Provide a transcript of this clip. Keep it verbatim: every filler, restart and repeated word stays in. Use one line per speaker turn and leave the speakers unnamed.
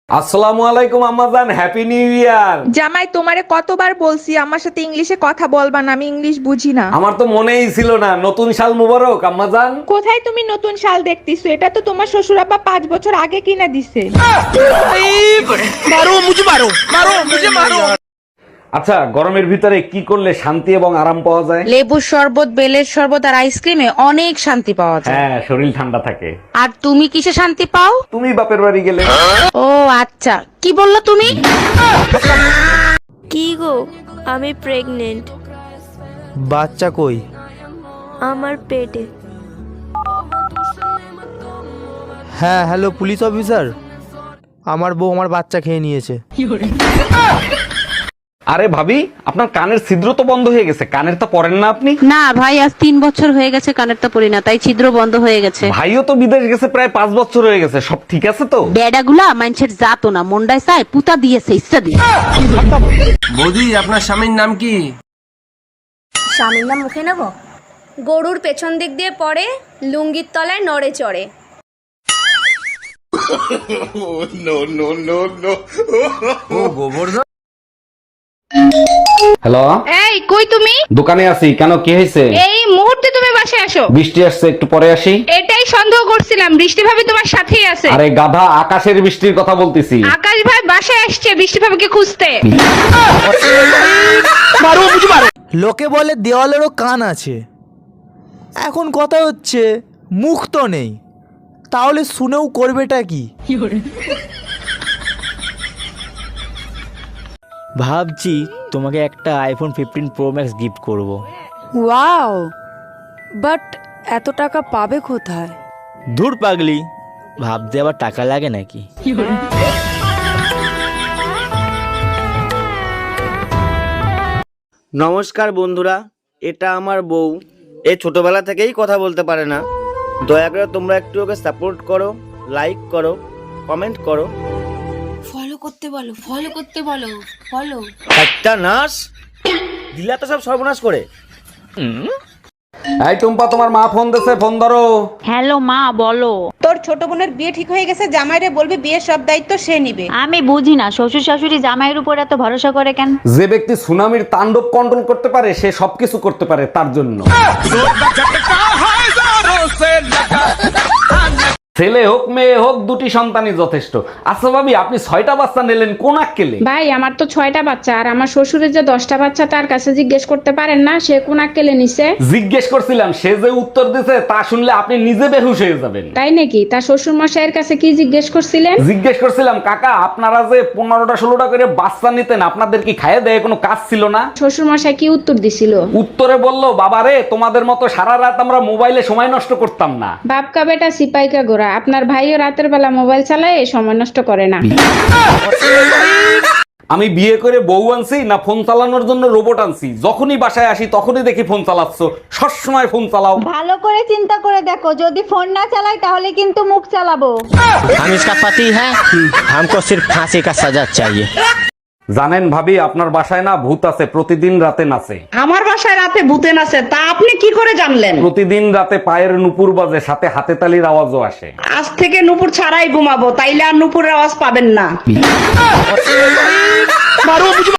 আসসালামু আলাইকুম আম্মাজান, হ্যাপি নিউ ইয়ার।
জামাই, তোমারে কতবার বলছি আমার সাথে ইংলিশে কথা বলবা না, আমি ইংলিশ বুঝি না।
আমার তো মনেই ছিল না। নতুন সাল মুবারক আম্মাজান।
কোথায় তুমি নতুন শাল দেখতেছো? এটা তো তোমার শ্বশুর আব্বা পাঁচ বছর আগে কিনা দিছে।
আচ্ছা, গরমের ভিতরে কি করলে শান্তি এবং আরাম পাওয়া যায়?
লেবুর শরবত, বেলের শরবত আর আইসক্রিমে অনেক শান্তি পাওয়া যায়।
হ্যাঁ, শরীর ঠান্ডা থাকে।
আর তুমি কিসে শান্তি পাও?
তুমি বাপের বাড়ি গেলে।
ও আচ্ছা, কি বললা তুমি?
কি গো, আমি প্রেগনেন্ট।
বাচ্চা কই?
আমার পেটে।
হ্যাঁ, হ্যালো পুলিশ অফিসার, আমার বউ আমার বাচ্চা খেয়ে নিয়েছে।
আরে ভাবি, আপনার কানের ছিদ্র তো বন্ধ হয়ে গেছে, কানের তো পরেন না আপনি?
না ভাই, আজ তিন বছর হয়ে গেছে কানেরটা পরি না, তাই ছিদ্র বন্ধ হয়ে গেছে।
ভাইও তো বিদেশ গেছে প্রায় পাঁচ বছর হয়ে গেছে, সব ঠিক আছে তো?
বেডাগুলা মানুষের জাতো না, মন্ডায় চায় পুতা দিয়েছে ইচ্ছা দিয়ে।
বৌদি, আপনার স্বামীর নাম কি?
স্বামীর নাম মুখে নেব? গরুর পেছন দিক দিয়ে পড়ে, লুঙ্গির তলায় নড়ে চড়ে।
ও গোবর্ধন।
হ্যালো,
এই কই তুমি?
দোকানে আছি। কেন, কি হয়েছে?
এই মুহূর্তে তুমি বাসায় আসো।
বৃষ্টি আসছে, একটু পরে আসি।
এটাই সন্দেহ করছিলাম, বৃষ্টি ভাবি তোমার সাথেই আছে।
আরে গাধা, আকাশের বৃষ্টির কথা বলতেছি।
আকাশ ভাই বাসায় আসছে বৃষ্টি ভাবিকে খুঁজতে।
লোকে বলে দেওয়ালেরও কান আছে, এখন কথা হচ্ছে মুখ তো নেই, তাহলে শুনেও করবেটা কি? ভাবছি তোমাকে একটা iPhone fifteen pro max gift করব।
ওয়াও, বাট এত টাকা পাবে কোথায়?
ধুর পাগলি, ভাবতে আবার টাকা লাগে নাকি?
নমস্কার বন্ধুরা, এটা আমার বউ। এ ছোটবেলা থেকেই কথা বলতে পারে না। দয়া করে তোমরা একটু ওকে সাপোর্ট করো, লাইক করো, কমেন্ট করো।
ফলো করতে বলো, ফলো করতে বলো, ফলো।
একটা নাশ দিলা তো সব সর্বনাশ করে।
এই টুম্পা, তোমার মা ফোন দিছে, ফোন ধরো।
হ্যালো মা, বলো।
তোর ছোট বোনের বিয়ে ঠিক হয়ে গেছে, জামাইরে বলবি বিয়ের সব দায়িত্ব সে নিবে।
আমি বুঝি না শ্বশুর শাশুড়ি জামাইয়ের উপর এত ভরসা করে কেন?
যে ব্যক্তি সুনামির তাণ্ডব কন্ট্রোল করতে পারে সে সবকিছু করতে পারে, তার জন্য। ছেলে হোক মেয়ে হোক, দুটি সন্তানই যথেষ্ট। আচ্ছা ভাবি, আপনি ছয়টা বাচ্চা নিলেন কোন আক্কেলে?
ভাই, আমার তো ছয়টা বাচ্চা, আর আমার শ্বশুরের যে দশটা বাচ্চা তার কাছে জিজ্ঞেস করতে পারেন না সে কোন আক্কেলে নিছে?
জিজ্ঞেস করছিলাম, সে যে উত্তর দিছে তা শুনলে আপনি নিজে বেহুশ হয়ে যাবেন।
তাই নাকি? তার শ্বশুর মশাইয়ের কাছে কি জিজ্ঞেস করছিলেন?
জিজ্ঞেস করছিলাম, কাকা আপনারা যে পনেরোটা ষোলোটা করে বাচ্চা নিতেন, আপনাদের কি খাইয়ে দেয় কোনো কাজ ছিল না?
শ্বশুর মশাই কি উত্তর দিছিল?
উত্তরে বলল, বাবা রে, তোমাদের মতো সারা রাত আমরা মোবাইলে সময় নষ্ট করতাম না।
বাপকা বেটা সিপাইকা গোরা, আপনার ভাইও রাতের বেলা মোবাইল চালায়, সময় নষ্ট করে না।
আমি বিয়ে করে বউ আনছি না ফোন চালানোর জন্য রোবট আনছি? যখনই বাসায় আসি তখনই দেখি ফোন চালাচ্ছ, সবসময় ফোন চালাও।
ভালো করে চিন্তা করে দেখো, যদি ফোন না চালাই তাহলে কিন্তু মুখ চালাবো।
हम इसका पति है, हमको सिर्फ फांसी का सजा चाहिए।
জানেন ভাবি, আপনার বাসায় না ভূত আছে, প্রতিদিন রাতে নাচে।
আমার বাসায় রাতে ভূতে নাচে, তা আপনি কি করে জানলেন?
প্রতিদিন রাতে পায়ের নুপুর বাজে, সাথে হাতে তালির আওয়াজও আসে।
আজ থেকে নুপুর ছাড়াই ঘুমাবো, তাইলে আর নুপুরের আওয়াজ পাবেন না।